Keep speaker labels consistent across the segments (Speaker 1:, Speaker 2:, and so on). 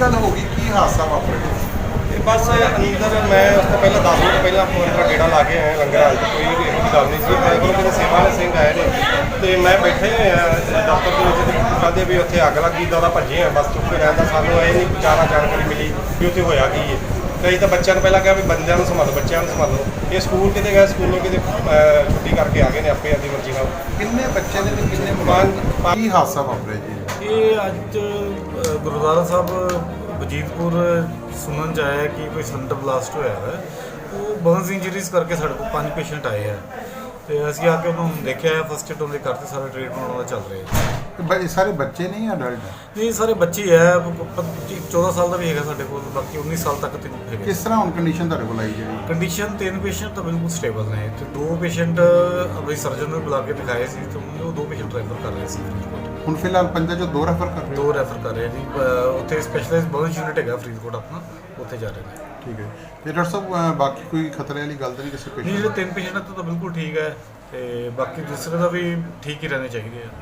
Speaker 1: ਗੱਲ ਹੋ ਗਈ, ਕੀ ਹਾਦਸਾ ਵਾਪਰਿਆ?
Speaker 2: ਤੇ ਬਸ ਅੰਦਰ ਮੈਂ ਉਸ ਤੋਂ ਪਹਿਲਾਂ 10 ਮਿੰਟ ਪਹਿਲਾਂ ਅੰਦਰ ਗੇੜਾ ਲਾ ਕੇ ਆਇਆ ਲੰਗਰ ਹਾਲ 'ਚ, ਕੋਈ ਇਹੋ ਜਿਹੀ ਗੱਲ ਨਹੀਂ ਸੀ। ਮੇਰੇ ਕੋਲ ਕਿਤੇ ਸੇਵਾ ਵਾਲੇ ਸਿੰਘ ਆਏ ਨੇ ਤੇ ਮੈਂ ਬੈਠੇ ਹੋਏ ਆ ਦਫ਼ਤਰ ਦੇ ਵਿੱਚ, ਕਹਿੰਦੇ ਵੀ ਉੱਥੇ ਅੱਗ ਲੱਗੀ, ਤਾਂ ਉਹਦਾ ਭੱਜੇ ਆ ਬਸ ਚੁੱਪ ਕੇ ਰਹਿਣ ਦਾ। ਸਾਨੂੰ ਇਹ ਨਹੀਂ ਜ਼ਿਆਦਾ ਜਾਣਕਾਰੀ ਮਿਲੀ ਵੀ ਉੱਥੇ ਹੋਇਆ ਕੀ ਹੈ। ਕਈ ਤਾਂ ਬੱਚਿਆਂ ਨੂੰ ਪਹਿਲਾਂ ਕਿਹਾ ਵੀ ਬੰਦਿਆਂ ਨੂੰ ਸੰਭਾਲੋ, ਬੱਚਿਆਂ ਨੂੰ ਸੰਭਾਲੋ। ਇਹ ਸਕੂਲ ਕਿਤੇ ਗਏ, ਸਕੂਲੋਂ ਕਿਤੇ ਛੁੱਟੀ ਕਰਕੇ ਆ ਗਏ ਨੇ ਆਪੇ ਆਪਣੀ ਮਰਜ਼ੀ ਨਾਲ।
Speaker 1: ਕਿੰਨੇ ਬੱਚੇ ਨੇ ਤੇ ਕਿੰਨੇ ਕੀ ਹਾਦਸਾ ਵਾਪਰਿਆ ਜੀ?
Speaker 3: ਇਹ ਅੱਜ ਗੁਰਦੁਆਰਾ ਸਾਹਿਬ ਵਜੀਦਪੁਰ ਸੁਣਨ 'ਚ ਆਇਆ ਕਿ ਕੋਈ ਸਿਲੰਡਰ ਬਲਾਸਟ ਹੋਇਆ ਹੈ। ਉਹ ਬਰਨਸ ਇੰਜਰੀਜ਼ ਕਰਕੇ ਸਾਡੇ ਕੋਲ 5 ਪੇਸ਼ੈਂਟ ਆਏ ਆ ਤੇ ਅਸੀਂ ਆ ਕੇ ਉਹਨੂੰ ਦੇਖਿਆ, ਫਸਟ ਏਡ ਉਹਦੇ ਕਰਤੇ, ਸਾਰਾ ਟ੍ਰੀਟਮੈਂਟ ਉਹਦਾ ਚੱਲ ਰਿਹਾ ਹੈ।
Speaker 1: ਤੇ ਸਾਰੇ ਬੱਚੇ ਨਹੀਂ ਅਡਲਟ?
Speaker 3: ਨਹੀਂ, ਸਾਰੇ ਬੱਚੇ ਹੀ ਹੈ। 14 ਸਾਲ ਦਾ ਵੀ ਹੈਗਾ ਸਾਡੇ ਕੋਲ, ਬਾਕੀ 19 ਸਾਲ ਤੱਕ ਤੇ ਹੈਗੇ।
Speaker 1: ਕਿਸ ਤਰ੍ਹਾਂ ਹੁਣ ਕੰਡੀਸ਼ਨ ਤੁਹਾਡੇ ਕੋਲ ਆਈ ਜਿਹੜੀ?
Speaker 3: ਕੰਡੀਸ਼ਨ 3 ਪੇਸ਼ੈਂਟ ਤਾਂ ਬਿਲਕੁਲ ਸਟੇਬਲ ਨੇ ਤੇ 2 ਪੇਸ਼ੈਂਟ ਆਪਣੀ ਸਰਜਨ ਨੂੰ ਬੁਲਾ ਕੇ ਦਿਖਾਏ ਸੀ ਤੇ ਉਹ 2 ਪੇਸ਼ੈਂਟ ਰੈਫਰ ਕਰ ਰਹੇ ਸੀ।
Speaker 1: ਹੁਣ ਫਿਲਹਾਲ ਪੰਜਾਂ ਚੋਂ 2 ਰੈਫਰ ਕਰ ਰਹੇ?
Speaker 3: 2 ਰੈਫਰ ਕਰ ਰਹੇ ਜੀ। ਉੱਥੇ ਸਪੈਸ਼ਲਾਈਜ਼ਡ ਬਰਨਸ ਯੂਨਿਟ ਹੈਗਾ ਫਰੀਦਕੋਟ ਆਪਣਾ, ਉੱਥੇ ਜਾ ਰਹੇ ਨੇ।
Speaker 1: ਠੀਕ ਹੈ। ਤੇ ਡਾਕਟਰ ਸਾਹਿਬ ਬਾਕੀ ਕੋਈ ਖਤਰੇ ਵਾਲੀ ਗੱਲ ਤਾਂ ਨਹੀਂ ਕਿਸੇ
Speaker 3: ਨਹੀਂ,
Speaker 1: ਪੇਸ਼ੈਂਟ?
Speaker 3: ਜਿਹੜੇ 3 ਪੇਸ਼ੈਂਟ ਤਾਂ ਬਿਲਕੁਲ ਠੀਕ ਹੈ ਤੇ ਬਾਕੀ ਦੂਸਰੇ ਦਾ ਵੀ ਠੀਕ ਹੀ ਰਹਿਣੇ ਚਾਹੀਦੇ ਆ।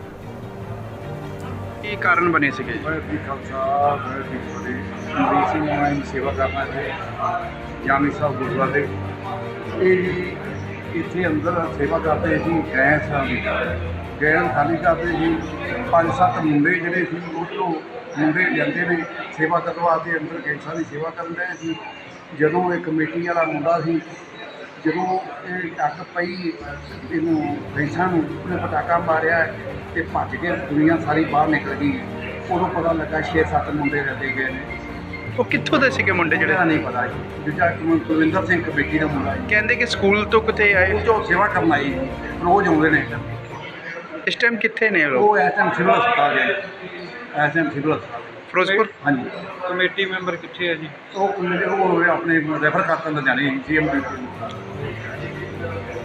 Speaker 4: ਕੀ ਕਾਰਨ ਬਣੇ ਸੀਗੇ?
Speaker 5: ਵਾਹਿਗੁਰੂ ਖਾਲਸਾ ਵਾਹਿਗੁਰੂ ਜੀ ਕੀ ਫਤਿਹ। ਮਰੀਜ਼ ਸਿੰਘ ਨੂੰ ਸੇਵਾ ਕਰਨਾ ਹੈ ਜਾਮੀ ਸਾਹਿਬ ਗੁਰਦੁਆਰੇ। ਇਹ ਜੀ ਇੱਥੇ ਅੰਦਰ ਸੇਵਾ ਕਰਦੇ ਸੀ, ਗੈਸ ਖਾਲੀ ਕਰਦੇ ਸੀ। 5-7 ਮੁੰਡੇ ਜਿਹੜੇ ਸੀ ਉੱਧਰੋਂ ਮੁੰਡੇ ਜਾਂਦੇ ਨੇ ਸੇਵਾ ਕਰਵਾ ਕੇ ਅੰਦਰ ਗੈਸਾਂ ਦੀ ਸੇਵਾ ਕਰਨ ਰਹੇ ਸੀ। ਜਦੋਂ ਇਹ ਕਮੇਟੀ ਵਾਲਾ ਮੁੰਡਾ ਸੀ, ਜਦੋਂ ਇਹ ਅੱਗ ਪਈ ਇਹਨੂੰ ਗੈਸਾਂ ਨੂੰ, ਉਹਨੇ ਪਟਾਕਾ ਮਾਰਿਆ ਤੇ ਭੱਜ ਕੇ ਦੁਨੀਆ ਸਾਰੀ ਬਾਹਰ ਨਿਕਲ ਗਈ। ਉਦੋਂ ਪਤਾ ਲੱਗਾ 6-7 ਮੁੰਡੇ ਰੱਦੇ ਗਏ ਨੇ।
Speaker 4: ਉਹ ਕਿੱਥੋਂ ਦੇ ਸੀਗੇ ਮੁੰਡੇ
Speaker 5: ਜਿਹੜਾ
Speaker 4: ਜਿਹੜੇ?
Speaker 5: ਨਹੀਂ ਪਤਾ ਜੀ। ਦੂਜਾ ਕੁਲਵਿੰਦਰ ਸਿੰਘ ਕਮੇਟੀ ਦਾ ਮੁੰਡਾ ਜੀ,
Speaker 4: ਕਹਿੰਦੇ ਕਿ ਸਕੂਲ ਤੋਂ ਕਿਤੇ ਆਏ।
Speaker 5: ਉਹ ਜੋ ਸੇਵਾ ਕਰਨ ਆਈ ਜੀ, ਰੋਜ਼ ਆਉਂਦੇ ਨੇ।
Speaker 4: ਇਸ ਟਾਈਮ ਕਿੱਥੇ ਨੇ ਉਹ ਲੋਕ?
Speaker 5: ਉਹ ਐਸਐਮ ਸਿਵਲ ਹਸਪਤਾਲ ਗਏ, ਐਸਐਮ ਸਿਵਲ ਹਸਪਤਾਲ।
Speaker 4: ਫਿਰੋਜ਼ਪੁਰ?
Speaker 5: ਹਾਂਜੀ।
Speaker 4: ਕਮੇਟੀ ਮੈਂਬਰ ਕਿੱਥੇ ਹੈ ਜੀ?
Speaker 5: ਉਹ ਆਪਣੇ ਰੈਫਰ ਕਰਤਾ ਲੁਧਿਆਣੇ ਸੀਐਮ।